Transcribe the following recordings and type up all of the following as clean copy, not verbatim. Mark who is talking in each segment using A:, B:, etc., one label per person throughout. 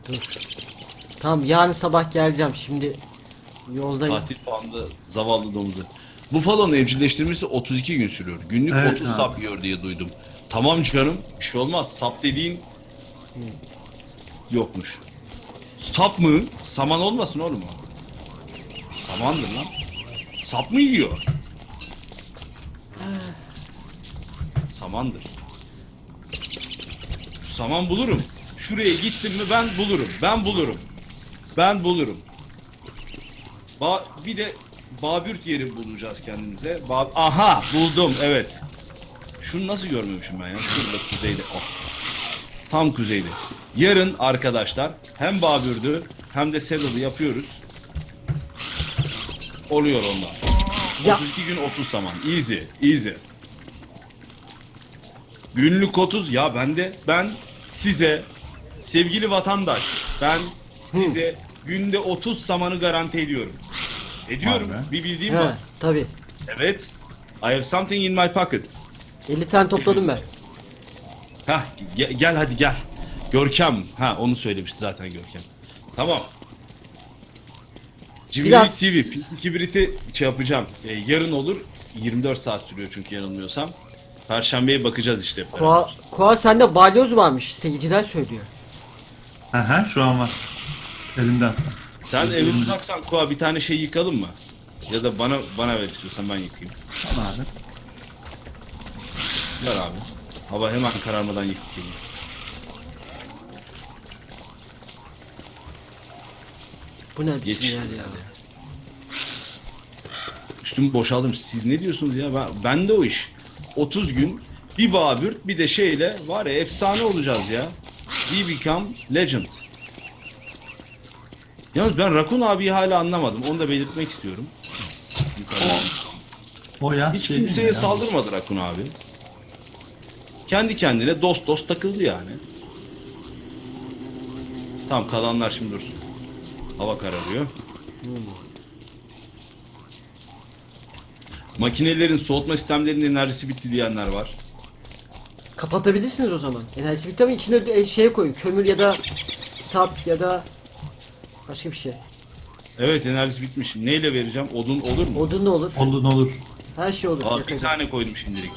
A: Dur. Tamam, yarın sabah geleceğim. Şimdi yoldayım.
B: Tatil falan da zavallı domuzu. Buffalo'nun evcilleştirmesi 32 gün sürüyor. Günlük
C: Evet
B: 30
C: abi.
B: sap yiyor diye duydum. Tamam canım, bir şey olmaz. Sap dediğin yokmuş. Sap mı? Saman olmasın oğlum o. Samandır lan. Sap mı yiyor? Samandır. Saman bulurum. Şuraya gittim mi ben bulurum. Ben bulurum. Ben bulurum. Bir de Babürt yeri bulacağız kendimize. Aha buldum, evet. Şunu nasıl görmemişim ben ya? Şurada kuzeyde. Oh. Tam kuzeyde. Yarın arkadaşlar hem Babürt'ü hem de Saddle'ı yapıyoruz. Oluyor ondan.
A: Ya.
B: 32 gün 30 saman. Easy. Easy. Günlük 30 ya ben size sevgili vatandaş ben size günde 30 samanı garanti ediyorum. Ediyorum.
C: Vay be.
B: Bir bildiğim
A: He,
B: var.
A: tabii.
B: Evet. I have something in my pocket.
A: 50 tane topladım ben.
B: Hah gel hadi gel. Görkem. Ha onu söylemişti zaten Görkem. Tamam. Cimrilik
A: Biraz-
B: TV. Kibrit'i şey yapacağım. Yarın olur. 24 saat sürüyor çünkü yanılmıyorsam. Perşembeye bakacağız işte. hep
A: Koa,
B: beraber.
A: Koa sende balyoz varmış. Seyirciler söylüyor.
C: Aha şu an var. Elimde hatta.
B: Sen evi uzaksan Koa bir tane şey yıkalım mı? Ya da bana ver istiyorsan ben yıkayayım.
C: Tamam abi.
B: Ver abi. Hava hemen kararmadan yıkıp geleyim.
A: Bu ne biçim
B: Yetiştim
A: yer ya?
B: yani. Üstümü boşaldım. Siz ne diyorsunuz ya? Ben de o iş. 30 gün bir Babürt bir de şeyle var ya efsane olacağız ya. We become legend. Yalnız ben Rakun abiyi hala anlamadım. Onu da belirtmek istiyorum. Yukarıdan.
C: O ya
B: Hiç
C: şey değil mi
B: kimseye
C: ya?
B: saldırmadı Rakun abi. Kendi kendine dost takıldı yani. Tamam kalanlar şimdi dursun. Hava kararıyor. Makinelerin soğutma sistemlerinin enerjisi bitti diyenler var.
A: Kapatabilirsiniz o zaman. Enerjisi bitti ama içine şeye koyun. Kömür ya da sap ya da başka bir şey.
B: Evet enerjisi bitmiş. Neyle vereceğim? Odun olur mu?
A: Odun ne olur?
C: Olur ne olur.
A: Her şey olur.
B: Aa, bir
A: yakacak.
B: tane koydum şimdilik.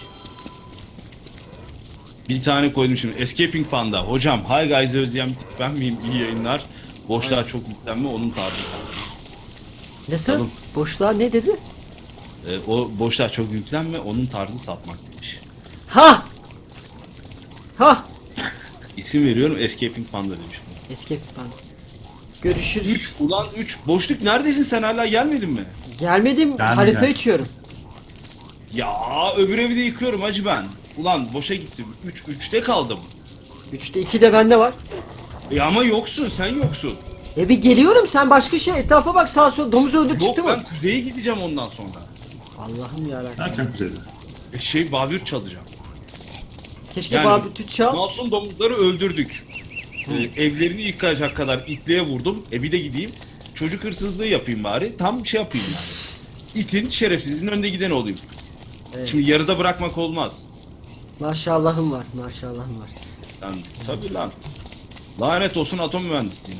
B: Bir tane koydum şimdi. Escaping Panda. Hocam Hi Guys'ı özleyen bir tip ben miyim? İyi yayınlar. Boşluğa çok yüklenme onun tarzı.
A: Nasıl?
B: Oğlum.
A: Boşluğa ne dedi?
B: O boşluğa çok yüklenme onun tarzı satmak demiş.
A: Ha! Ha!
B: İsim veriyorum Escaping Panda demiş.
A: Escape ben. Görüşürüz.
B: 3 ulan 3 boşluk neredesin sen hala gelmedin mi?
A: Gelmedim.
C: Gelmeyeceğim.
A: Harita açıyorum.
B: Ya öbür evi de yıkıyorum hacı ben. Ulan boşa gittim. 3'te kaldım.
A: 3'te 2 de bende var.
B: Ama yoksun sen yoksun.
A: Bir geliyorum, sen başka şey etrafa bak, sağa sola domuz öldür
B: Yok
A: çıktı
B: ben
A: mı?
B: kuzeye gideceğim ondan sonra.
A: Allah'ım yarabbim.
C: Erken kuzeyde.
B: Babür çalacağım.
A: Keşke
B: Yani
A: Babi Tüt çal.
B: masum domuzları öldürdük. Evlerini yıkacak kadar itliğe vurdum. Bir de gideyim. Çocuk hırsızlığı yapayım bari. Tam şey yapayım yani. İtin şerefsizliğin önde giden olayım.
A: Evet.
B: Şimdi yarıda bırakmak olmaz.
A: Maşallahım var, maşallahım var.
B: Yani, tabii lan. Lanet olsun atom mühendisliğine.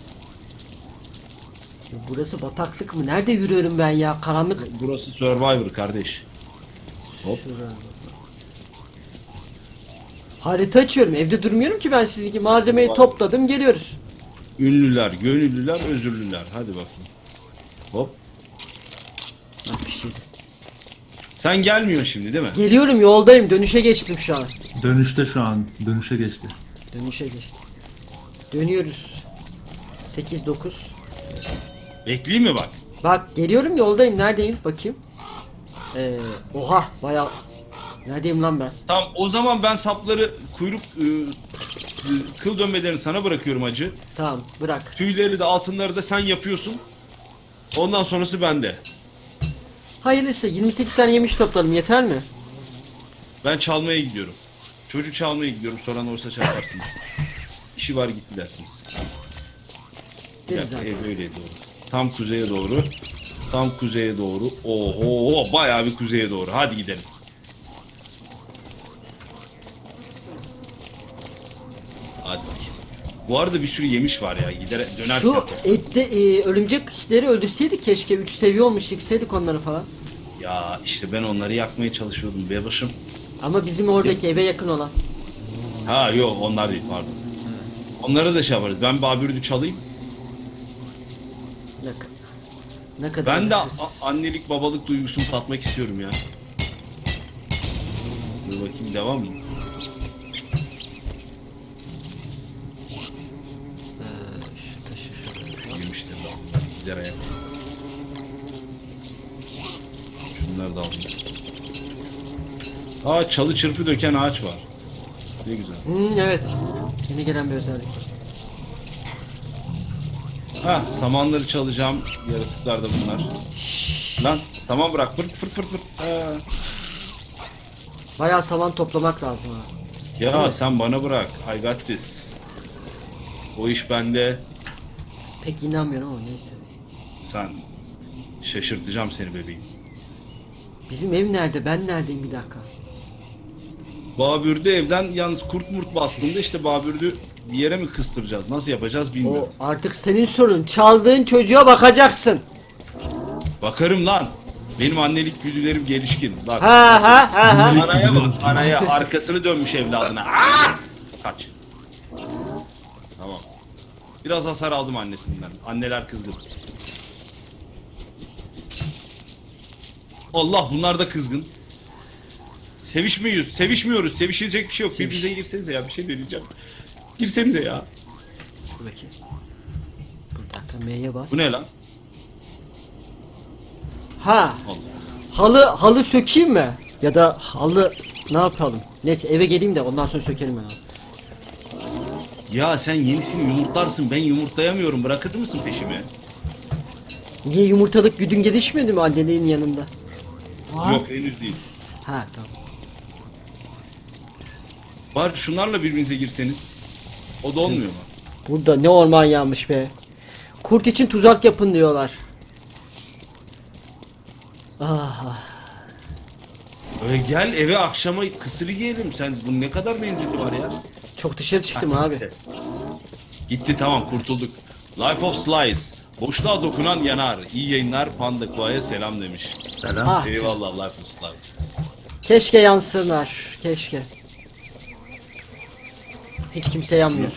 A: Burası bataklık mı? Nerede yürüyorum ben ya? Karanlık.
B: Burası Survivor kardeş. Hop.
A: Şurada. Harita açıyorum. Evde durmuyorum ki ben, sizinki malzemeyi
B: Vay.
A: topladım, geliyoruz.
B: Ünlüler, gönüllüler, özürlüler. Hadi bakayım. Hop.
A: Bak bir şey.
B: Sen gelmiyorsun şimdi değil mi?
A: Geliyorum, yoldayım. Dönüşe geçtim şu an.
C: Dönüşte şu an. Dönüşe geçti.
A: Dönüşe geç. Dönüyoruz. 8-9.
B: Bekleyeyim mi bak?
A: Bak geliyorum, yoldayım. Neredeyim? Bakayım. Oha bayağı. Neredeyim lan ben?
B: Tamam o zaman ben sapları kuyruk kıl dönmelerini sana bırakıyorum hacı.
A: Tamam, bırak.
B: Tüyleri de altınları da sen yapıyorsun. Ondan sonrası bende.
A: Hayırlısı, 28 tane yemiş topladım, yeter mi?
B: Ben çalmaya gidiyorum. Çocuk çalmaya gidiyorum. Soran olursa çağırarsınız. İşi var gitti dersiniz. Bir
A: Deriz
B: dakika,
A: zaten.
B: ev öyleye doğru. Tam kuzeye doğru. Tam kuzeye doğru. Oho bayağı bir kuzeye doğru. Hadi gidelim. Hadi bakayım. Bu arada bir sürü yemiş var ya. Gider dönerken.
A: Şu ette örümcekleri öldürseydik keşke 3 seviye olmuş yıksaydık onları falan.
B: Ya işte ben onları yakmaya çalışıyordum bebaşım.
A: Ama bizim oradaki eve yakın olan.
B: Ha yok onlar değil pardon. Onları da şey yaparız. Ben Babür'ü çalayım.
A: Ne kadar
B: Ben de
A: nefessiz.
B: annelik babalık duygusunu tatmak istiyorum ya. Dur bakayım devam mı?
A: Şu taşı şuraya.
B: Girmiştir daha. Gider ayak. Şunları da aldım. Aa çalı çırpı döken ağaç var. Ne güzel.
A: Evet. Yeni gelen bir özellik.
B: Ha samanları çalacağım. Yaratıklar da bunlar. Lan saman bırak fırt fırt fırt fırt. Ha.
A: Bayağı saman toplamak lazım ha.
B: Ya sen bana bırak. I got this. O iş bende.
A: Pek inanmıyorum ama neyse.
B: Sen şaşırtacağım seni bebeğim.
A: Bizim ev nerede? Ben neredeyim bir dakika.
B: Babür'de evden yalnız kurt murt bastığında işte Babür'ü bir yere mi kıstıracağız? Nasıl yapacağız bilmiyorum.
A: O artık senin sorun. Çaldığın çocuğa bakacaksın.
B: Bakarım lan. Benim annelik güdülerim gelişkin. Bak.
A: Ha ha ha ha.
B: Anaya bak. Anaya arkasını dönmüş evladına. Aa! Kaç. Tamam. Biraz hasar aldım annesinden. Anneler kızdı. Allah bunlar da kızgın. Sevişmiyoruz. Sevişmiyoruz. Sevişilecek bir şey yok. Birbirinize girsenize ya. Bir şey deneyeceğim. Girsenize ya.
A: Dur bakayım. Bir dakika M'ye bas.
B: Bu ne lan?
A: Ha.
B: Allah.
A: Halı sökeyim mi? Ya da halı ne yapalım? Neyse eve geleyim de ondan sonra sökelim ben abi.
B: Ya sen yenisini yumurtlarsın. Ben yumurtlayamıyorum. Bırakır mısın peşimi?
A: Niye yumurtalık güdün gelişmedi mi annenin yanında?
B: Yok henüz değil.
A: Ha tamam.
B: Bari şunlarla birbirinize girseniz. O da olmuyor mu?
A: Burada ne orman yanmış be. Kurt için tuzak yapın diyorlar. Ah,
B: Gel eve akşama kısırı yiyelim. Sen bu ne kadar menzili var ya?
A: çok dışarı çıktım abi.
B: Gitti tamam kurtulduk. Life of Slice. Boşluğa dokunan yanar. İyi yayınlar Panda Kua'ya selam demiş.
C: Selam.
A: Ah,
B: Eyvallah Life of Slice.
A: keşke yansınlar. Keşke. Hiç kimse yanmıyor.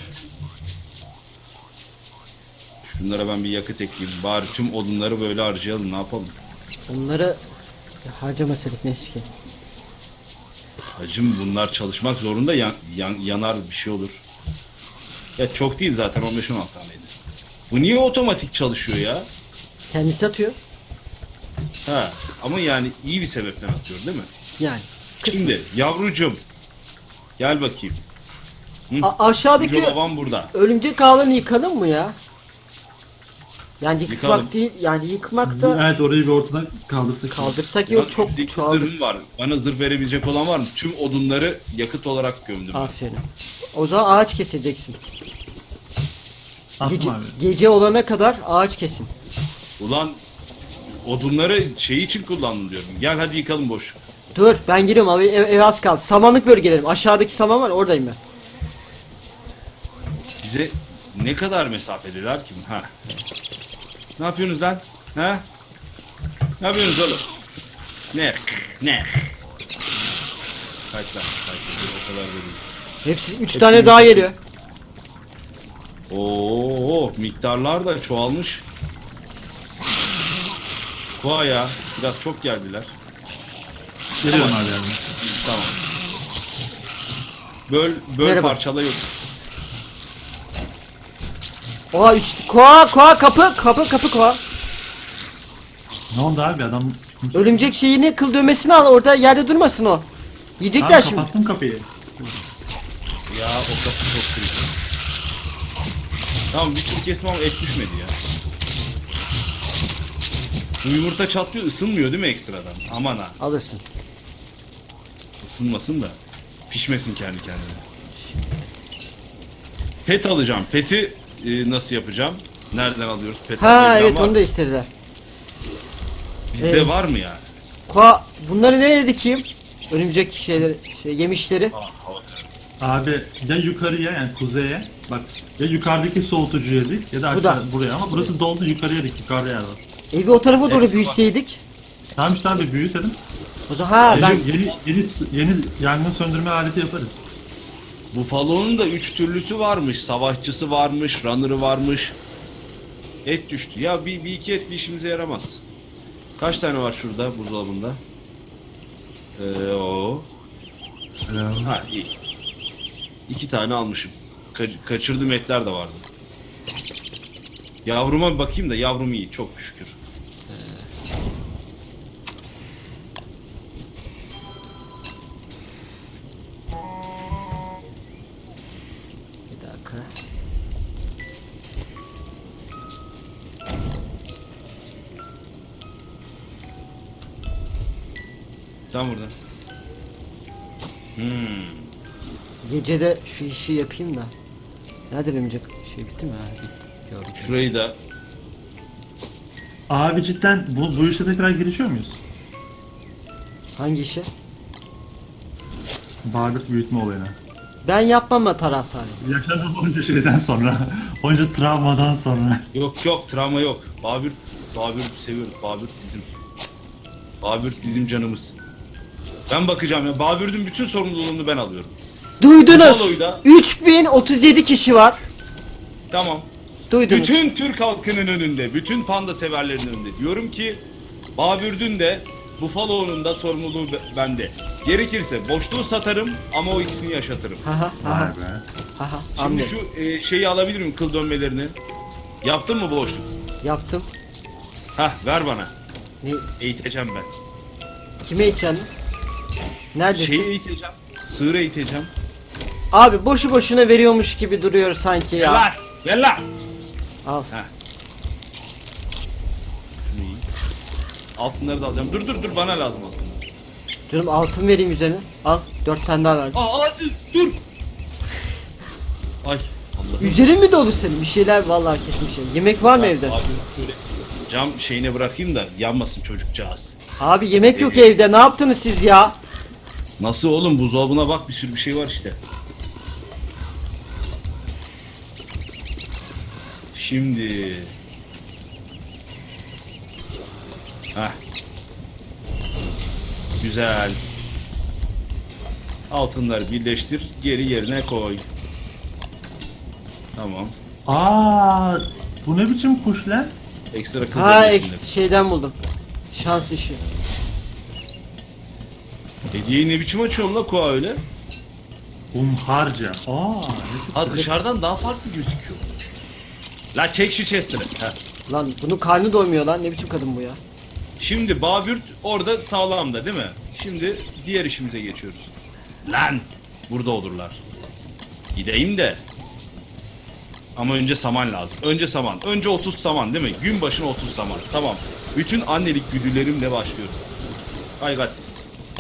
B: Şunlara ben bir yakıt ekleyeyim. Bari tüm odunları böyle harcayalım. Ne yapalım?
A: Onları harcamasadık neyse ki.
B: Hacım bunlar çalışmak zorunda yanar bir şey olur. Ya çok değil zaten 15-16 taneydi. Bu niye otomatik çalışıyor ya?
A: Kendisi atıyor.
B: Ha ama yani iyi bir sebepten atıyor değil mi?
A: Yani. Kısmen.
B: Şimdi yavrucum gel bakayım.
A: Aşağıdaki
B: Koca babam burada.
A: örümcek ağlarını yıkalım mı ya? Yani yıkmak
B: Yıkalım.
A: değil, yani yıkmak da
C: Evet orayı bir ortadan kaldırsak.
A: kaldırsak
B: Ya,
A: yok çok
B: üstteki
A: çoğaldı.
B: zırhım var. Bana zırh verebilecek olan var mı? Tüm odunları yakıt olarak gömdüm.
A: Aferin. O zaman ağaç keseceksin.
C: Atma
A: Gece,
C: abi.
A: gece olana kadar ağaç kesin.
B: Ulan odunları şey için kullandım diyorum. Gel hadi yıkalım boş.
A: Dur ben giriyorum abi ev az kaldı. Samanlık bölgelerim. Aşağıdaki saman var oradayım ben.
B: Bize ne kadar mesafedeler ki? Ha. Ne yapıyorsunuz lan? Ha? Ne yapıyorsunuz oğlum? Ne? Ne? Kaç lan? Kaç? O kadar da değil.
A: Hepsi 3 tane daha geliyor.
B: Oo, miktarlar da çoğalmış. Koa ya. Biraz çok geldiler.
C: Geliyorum abi yani.
B: Tamam. Böl
A: Merhaba.
B: parçala yok.
A: Oha 3 koa kapı koa.
C: Ne oldu abi adam?
A: Örümcek şeyini kıl dövmesini al orada yerde durmasın o. Yiyecekler
C: Abi
A: şimdi.
C: kapattım kapıyı.
B: Ya o kapı çok kritik. Tamam bir sürü kesme ama et düşmedi ya. Bu yumurta çatlıyor ısınmıyor değil mi ekstradan? Aman ha
A: Alırsın.
B: ısınmasın da pişmesin kendi kendine. Pet alacağım. Pet'i nasıl yapacağım? Nereden alıyoruz? Pet
A: Ha
B: almayı bilen
A: evet
B: var
A: onu
B: mı?
A: da istediler.
B: Bizde var mı yani?
A: Koa bunları nereye dikeyim? Örümcek şeyleri, yemişleri.
C: Abi ya yukarıya yani kuzeye bak ya yukarıdaki soğutucuya dik ya da
A: Bu da.
C: aşağı buraya ama burası doldu yukarıya dik yukarıda yer var.
A: Evi o tarafa doğru
B: Hepsi var.
A: büyütseydik.
C: Tamam işte abi büyütelim.
A: O zaman ha ben
C: Yeni yangın söndürme aleti yaparız.
B: Buffalo'nun da 3 türlüsü varmış. Savaşçısı varmış, runner'ı varmış. Et düştü. Ya bir iki et bir işimize yaramaz. Kaç tane var şurada buzdolabında? O. Ha iyi. 2 tane almışım. Kaçırdığım etler de vardı. Yavruma bir bakayım da yavrum iyi çok şükür.
A: bir dakika.
B: Sen burada.
A: Gecede şu işi yapayım da. Nerede benim şey bitti mi? Ha, bitti. Gördüm.
B: Şurayı da
C: Abi cidden bu işe tekrar girişiyor muyuz?
A: Hangi işi?
C: Bağırdık büyütme olayına.
A: Ben yapmama taraftarıyım.
C: Yaşadığım onca şeyden sonra, onca travmadan sonra.
B: yok travma yok. Babürt seviyoruz. Babürt bizim. Babürt bizim canımız. Ben bakacağım ya. Babürt'ün bütün sorumluluğunu ben alıyorum.
A: Duydunuz.
B: Buffalo'yu da-
A: 3037 kişi var.
B: Tamam.
A: Duydunuz.
B: Bütün Türk halkının önünde, bütün panda severlerin önünde diyorum ki Babürt'ün de Buffalo'nun da sorumluluğu bende. Gerekirse boşluğu satarım ama o ikisini yaşatırım.
A: Haha
C: Vay
A: haha.
C: be.
A: Haha.
B: Şimdi
A: Anladım.
B: şu şeyi alabilir miyim kıl dönmelerini? Yaptın mı boşluk?
A: Yaptım.
B: Hah ver bana.
A: Ne?
B: Eğiteceğim ben.
A: Kime içeceğim? Neredesin?
B: Şeyi eğiteceğim. Sığır eğiteceğim.
A: Abi boşu boşuna veriyormuş gibi duruyor sanki
B: Gel
A: ya.
B: lan. Gel lan.
A: Al.
B: Heh. Şunu iyi. Altınları da alacağım. Dur bana lazım altınlar.
A: Canım altın vereyim üzerine. Al. 4 tane daha verdim.
B: Hadi dur. Ay Allah.
A: Üzerin mi dolu senin? Bir şeyler vallahi kesin bir şey. Yemek var mı evde?
B: Abi böyle cam şeyine bırakayım da yanmasın çocukcağız.
A: Abi yemek yok evde. Ne yaptınız siz ya?
B: Nasıl oğlum buzdolabına bak bir sürü bir şey var işte. Şimdi. Heh. Güzel. Altınları birleştir, geri yerine koy. Tamam.
C: Aa, bu ne biçim kuş lan?
B: Ekstra kıl
A: Ha
B: dönmesinde.
A: şeyden buldum. Şans işi.
B: Hediyeyi ne biçim açıyorsun la Koa öyle?
C: Harca. Aa, ne
B: Ha dışarıdan daha farklı gözüküyor. La çek şu chest'ini. Ha.
A: Lan bunun karnı doymuyor lan. Ne biçim kadın bu ya?
B: Şimdi Babürt orada sağlamda değil mi? Şimdi diğer işimize geçiyoruz. Lan! Burada olurlar. Gideyim de. Ama önce saman lazım. Önce saman. Önce 30 saman değil mi? Gün başına 30 saman. Tamam. Bütün annelik güdülerimle başlıyoruz. Ay gattis.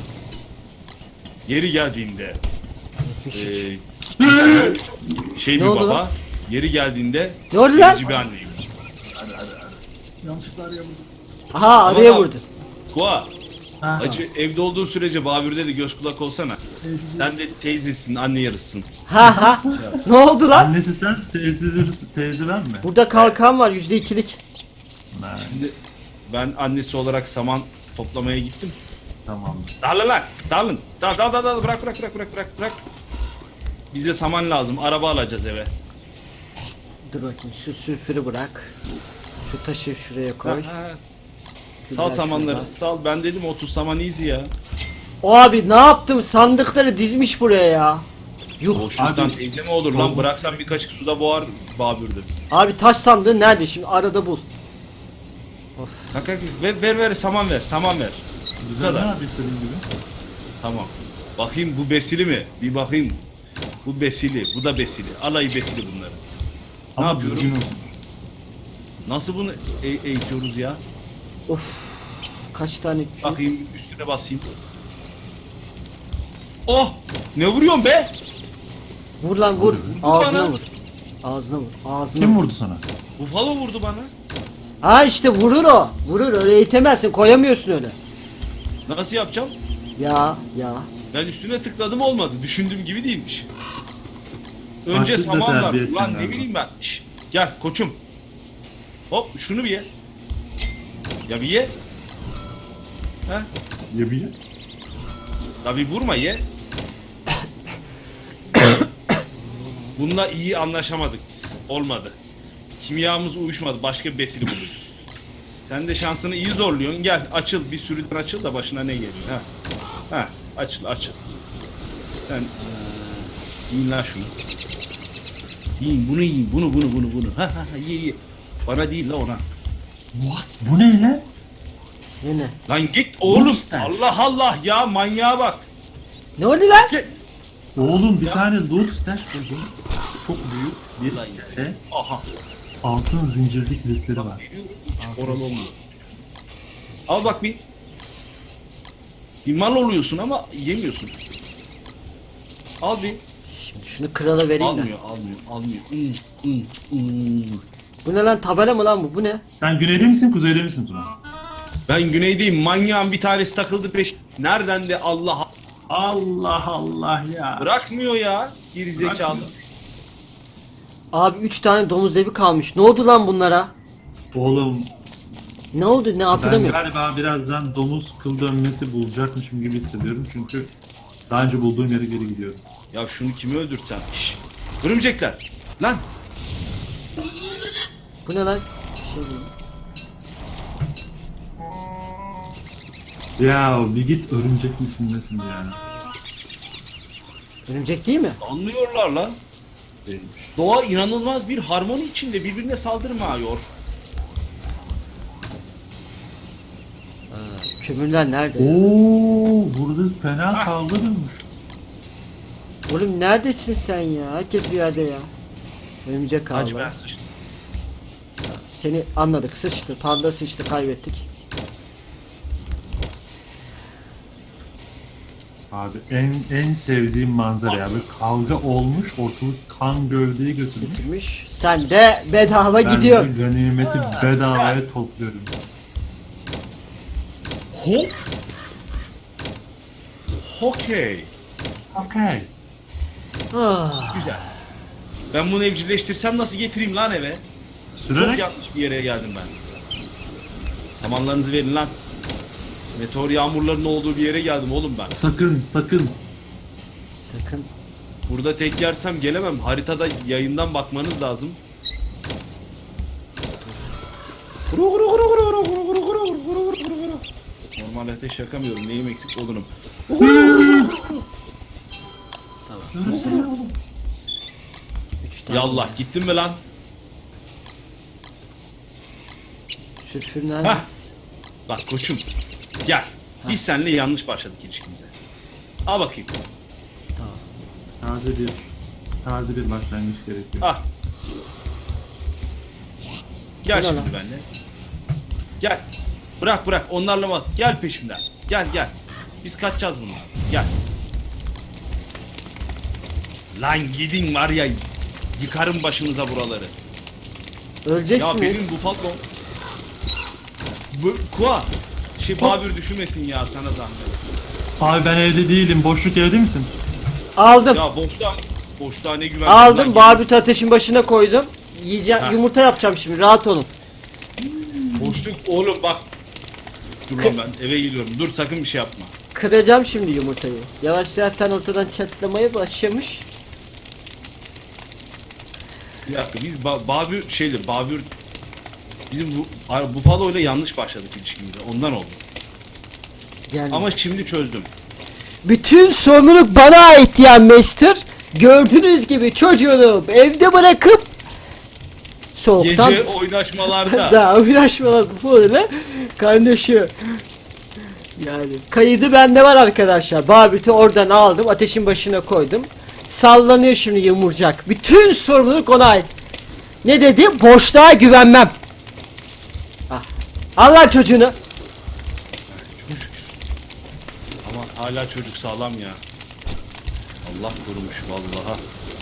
B: Yeri geldiğinde
A: 73.
B: şey
A: Ne
B: bir
A: oldu
B: baba.
A: lan?
B: Yeri geldiğinde
A: Ne oldu lan?
B: gerici bir anneyim.
C: Yanlışlıkla arayamadım.
A: Aha araya
B: Ama-
A: vurdu.
B: Koa.
C: Ha.
B: Acı evde olduğun sürece Babür'de de göz kulak olsana. Sen de teyzesin, anne yarısın.
A: Ha ha. Ne oldu lan?
C: Annesi sen, teyze ben mi?
A: Burada kalkan var %2'lik.
C: Ha,
B: Şimdi ben annesi olarak saman toplamaya gittim.
C: tamam.
B: Dağılın lan, dağılın. Dağıl, bırak. Bize saman lazım, araba alacağız eve.
A: Dur bakayım şu sülfürü bırak. Şu taşı şuraya koy.
B: Ha,
A: Güzel
B: sal samanları,
A: şuradan.
B: sal. Ben dedim 30 saman easy ya.
A: O abi ne yaptım? Sandıkları dizmiş buraya ya. Yuh.
B: Boşluktan
C: Abi-
B: teyze mi olur lan? Bıraksan bir kaşık suda boğar Babür'dü.
A: Abi taş sandığı nerede şimdi? Arada bul.
B: Kanka ver saman ver.
C: Güzel
B: kadar.
C: ne abi istediğin gibi.
B: Tamam. Bakayım bu besili mi? Bir bakayım. Bu besili, bu da besili. Alayı besili bunları.
C: Ama
B: yapıyorum?
C: düzgün olsun.
B: Nasıl bunu eğitiyoruz ya?
A: Of. Kaç tane kül?
B: Bakayım üstüne basayım. Oh! Ne vuruyorsun be?
A: Vur lan vur.
B: bana.
A: Ağzına vur. Ağzına vur. Ağzına
C: Kim
A: vur.
C: vurdu sana?
B: Buffalo vurdu bana.
A: Ha işte vurur o. Vurur öyle eğitemezsin. Koyamıyorsun öyle.
B: Nasıl yapacağım?
A: Ya.
B: Ben üstüne tıkladım olmadı. Düşündüğüm gibi değilmiş. Önce
C: Başlık da
B: saman var.
C: terbiye
B: Ulan
C: edeceksin
B: ne bileyim ben. Şş, gel koçum. Hop şunu bir ye. Ya bir ye. Ha?
C: Yapacak.
B: Ya bir vurma ye. Bununla iyi anlaşamadık biz. Olmadı. Kimyamız uyuşmadı. Başka bir besili bulduk. Sen de şansını iyi zorluyorsun. Gel açıl. Bir sürüden açıl da başına ne geliyor. Ha. Ha. Açıl açıl. Sen yiyin lan şunu. Yiyin bunu yiyin. Bunu. Ha ha ha ye. Bana değil la ona.
C: What? Bu ne lan?
A: Yine.
B: Lan git oğlum.
C: Monster.
B: Allah Allah ya manyağa bak.
A: Ne oldu lan?
C: Oğlum bir tane loot stash buldum. Çok büyük bir
B: Lan
C: kese.
B: Aha.
C: Altın zincirli kilitleri var.
B: Hiç oralı olmuyor. Al bak bir. Bir mal oluyorsun ama yemiyorsun. Al bir.
A: Şimdi şunu krala vereyim de.
B: Almıyor.
A: Bu ne lan, tabela mı lan bu? Bu ne?
C: Sen güneyde misin kuzeyde misin Tuna?
B: Ben güneydeyim. Manyağın bir tanesi takıldı peş. Nereden de Allah
C: Allah Allah ya.
B: bırakmıyor ya. Gerizekalı.
C: Bırakmıyor.
A: Abi 3 tane domuz evi kalmış. Ne oldu lan bunlara?
C: Oğlum
A: Ne oldu? Ne
C: ben
A: hatırlamıyorum.
C: galiba birazdan domuz kıl dönmesi bulacakmışım gibi hissediyorum çünkü daha önce bulduğum yere geri gidiyorum.
B: Ya şunu kimi öldürtsem? Şşş. Örümcekler. Lan.
A: Bu ne lan? Bir şey değil.
C: Ya bir git örümcek misin nesin yani?
A: Örümcek değil mi?
B: Anlıyorlar lan.
C: Değilmiş.
B: Doğa inanılmaz bir harmoni içinde birbirine saldırmıyor.
A: Kömürler nerede?
C: Oo, burada fena kavga dönmüş.
A: Oğlum neredesin sen ya? Herkes bir yerde ya. Örümcek
B: Hacı ben
A: kaldı.
B: sıçtım.
A: Seni anladık. Sıçtı. Panda sıçtı. Kaybettik.
C: Abi en sevdiğim manzara ya. Böyle kavga olmuş, ortalık kan gövdeyi götürmüş.
A: Götürmüş. Sen de bedava
C: Ben
A: gidiyor.
C: de ganimeti bedavaya topluyorum.
B: Hop. Hokey.
C: Okay.
A: Ah,
B: Güzel. Ben bunu evcilleştirsem nasıl getireyim lan eve? Çok
C: Sürerek
B: yanlış bir yere geldim ben. Samanlarınızı verin lan. Meteor yağmurlarının olduğu bir yere geldim oğlum ben.
C: sakın.
A: sakın.
B: Burada tek yersem gelemem. Haritada yayından bakmanız lazım. Normal ateş yakamıyorum. Neyim eksik olurum.
A: Tamam. 3 tane.
B: Yallah gittin mi lan?
A: Sülfür nerede?
B: Hah. Bak koçum. Gel. Biz seninle yanlış başladık ilişkimize. Al bakayım.
A: Tamam.
C: taze bir başlangıç gerekiyor.
B: Ah. Gel
A: Bu ne
B: şimdi
A: lan?
B: benimle. Gel. Bırak onlarla bak. Gel peşimden. Gel. Biz kaçacağız bunlar. Gel. Lan gidin var ya. Yıkarım başınıza buraları. Ya
A: Öleceksiniz.
B: benim bu patron. Bu Kua. Babür düşünmesin ya sana zahmet.
C: Abi ben evde değilim. Boşluk evde misin?
A: Aldım.
B: Ya boşluğa ne güven.
A: Aldım. Barbut ateşin başına koydum. Yiyeceğim.
B: Ha.
A: Yumurta yapacağım şimdi. Rahat olun.
B: Boşluk oğlum bak. Dur lan ben eve gidiyorum. Dur sakın bir şey yapma.
A: Kıracağım şimdi yumurtayı. Yavaş zaten ortadan çatlamaya başlamış.
B: Bir dakika biz Babür bizim bu Buffalo ile yanlış başladık ilişkimize. Ondan oldu.
A: Yani
B: Ama şimdi çözdüm.
A: bütün sorumluluk bana ait ya Master. Gördüğünüz gibi çocuğunu evde bırakıp soğuktan
B: Gece oynaşmalarda
A: daha uğraşmalar bu böyle kardeşi. Yani kaydı bende var arkadaşlar. Barbit'i oradan aldım. Ateşin başına koydum. Sallanıyor şimdi yumurcak. Bütün sorumluluk ona ait. Ne dedi? Boşluğa güvenmem. Ah. Al lan çocuğunu.
B: çok şükür. Ama hala çocuk sağlam ya. Allah korumuş vallaha.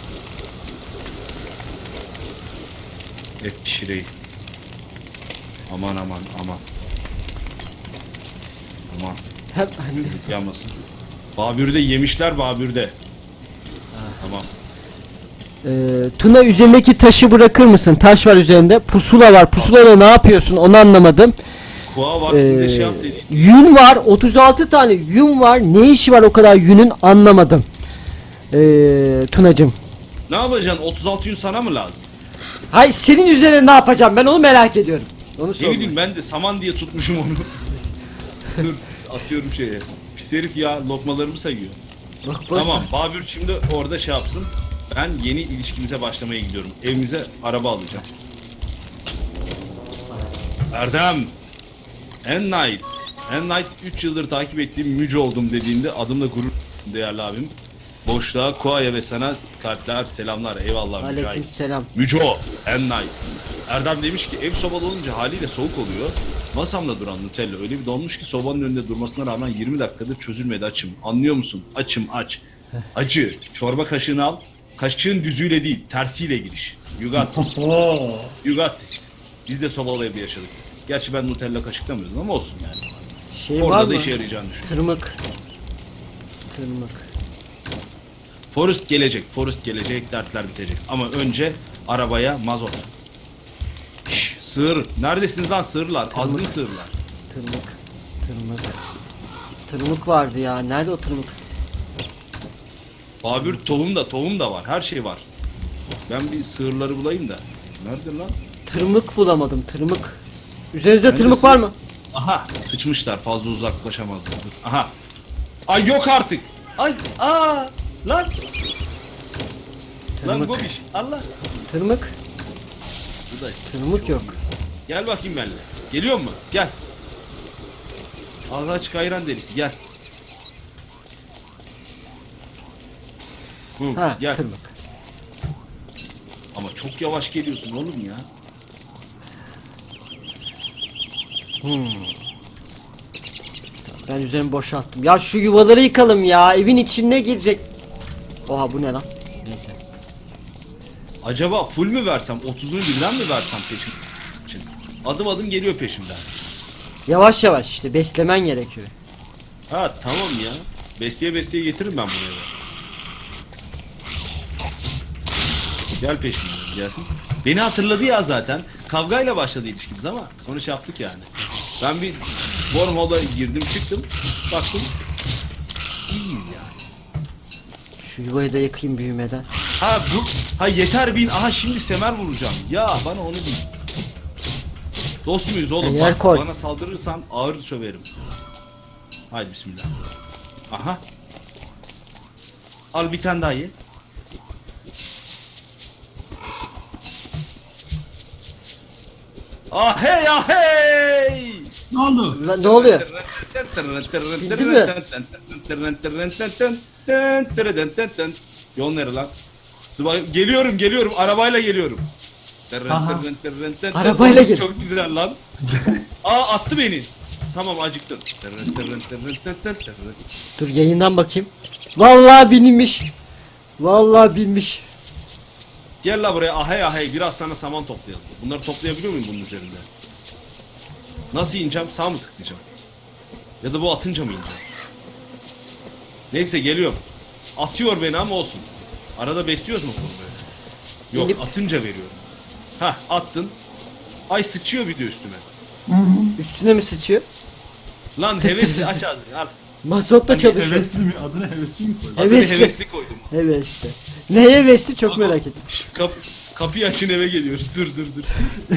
B: Et pişireyim. Aman. Aman.
A: Hem anne.
B: Çocuk yanmasın. Babür'de yemişler Babür'de. Tamam.
A: Tuna üzerindeki taşı bırakır mısın? Taş var üzerinde. Pusula var. Pusulada ne yapıyorsun? Onu anlamadım.
B: Kuğa vaktinde şey yap dedi.
A: Yün var. 36 tane yün var. Ne işi var o kadar yünün? Anlamadım. Tunacım.
B: Ne yapacaksın? 36 gün sana mı lazım?
A: Hay senin üzerine ne yapacağım? Ben onu merak ediyorum. Onu
B: Ne
A: sor.
B: bileyim ben de saman diye tutmuşum onu. Dur atıyorum şeye. Pis herif ya lokmalarımı sayıyor.
A: Bak, boş
B: Tamam
A: ver.
B: Babür şimdi orada şey yapsın. Ben yeni ilişkimize başlamaya gidiyorum. Evimize araba alacağım. Erdem. N-Night. N-Night 3 yıldır takip ettiğim Müce oldum dediğinde adımla gurur değerli abim. Boşluğa, Kuaya ve sana kalpler, selamlar. Eyvallah Mücahit.
A: Aleykümselam.
B: Müco, N-Night. Erdem demiş ki ev sobalı olunca haliyle soğuk oluyor. Masamda duran Nutella öyle bir donmuş ki sobanın önünde durmasına rağmen 20 dakikadır çözülmedi açım. Anlıyor musun? Açım aç. Acı. Çorba kaşığını al. Kaşığın düzüyle değil tersiyle giriş. You got this. You got this. Biz de sobalı evde yaşadık. Gerçi ben Nutella kaşıklamıyordum ama olsun yani.
A: Şey var
B: Orada
A: mı?
B: da işe yarayacağını düşünüyorum.
A: Tırmık. Tırmık.
B: Forest gelecek, dertler bitecek. Ama önce arabaya mazot. Şşş, sığır. Neredesiniz lan sığırlar? Azgın sığırlar.
A: Tırmık. Tırmık. Tırmık vardı ya. Nerede o tırmık?
B: Babür tohum da var. Her şey var. Ben bir sığırları bulayım da. Nerede lan?
A: Tırmık bulamadım. Tırmık. Üzerinizde
B: Bence
A: tırmık var mı?
B: Aha sıçmışlar. Fazla uzaklaşamazlar. Dur. Aha. Ay yok artık. Ay lan. Lan
A: Tırmık.
B: Gobiş. Allah.
A: Tırmık.
B: Bu da.
A: Tırmık yok.
B: Gel bakayım benimle. Geliyor mu? Gel. Ağzı açık ayran delisi gel. Hı,
A: Ha,
B: gel.
A: tırmık.
B: Ama çok yavaş geliyorsun oğlum ya.
A: Ben üzerimi boşalttım. Ya şu yuvaları yıkalım ya. Evin içine girecek. Oha bu ne lan? Neyse.
B: Acaba full mü versem, 30'unu birden mi versem peşim için? Adım adım geliyor peşimden.
A: Yavaş yavaş işte beslemen gerekiyor.
B: Ha tamam ya. Besleye besleye getiririm ben buraya. Gel peşimden gelsin. Beni hatırladı ya zaten. Kavgayla başladı ilişkimiz ama sonra şey yaptık yani. Ben bir wormhole'a girdim çıktım. Baktım. İyiyiz yani.
A: Şu yuvayı da yakayım büyümeden.
B: Ha yeter bin. Aha şimdi semer vuracağım. Ya bana onu bil. Dost muyuz oğlum?
A: Yer
B: Bak,
A: koy.
B: bana saldırırsan ağır söverim. Haydi bismillah. Aha. Al bir tane daha ye. Ah hey ah hey.
C: Ne oldu?
A: Lan ne oluyor?
B: Yol nere lan? Dur bakayım. Geliyorum arabayla geliyorum.
C: Aha.
A: Arabayla gel.
B: Çok güzel lan. Attı beni. Tamam acıktım.
A: Dur yayından bakayım. Vallahi binmiş. Vallahi binmiş.
B: Gel la buraya ahey ahey biraz sana saman toplayalım. Bunları toplayabiliyor muyum bunun üzerinde? Nasıl ineceğim? Sağ mı tıklayacağım? Ya da bu atınca mı ineceğim? Neyse geliyorum. Atıyor beni ama olsun. Arada besliyoruz mu bunu böyle? Yok
A: Gelip-
B: atınca veriyorum. Hah attın. Ay sıçıyor bir de üstüme.
A: Üstüne mi sıçıyor?
B: Lan hevesli aç ağzını al.
A: Mazotla
B: Hani
A: çalışıyor.
C: Hevesli mi? Adına hevesli mi koydun?
B: Adını
A: Hevesli.
B: hevesli koydum.
A: Hevesli. Ne hevesli çok merak ettim.
B: Kapıyı açın eve geliyoruz. Dur.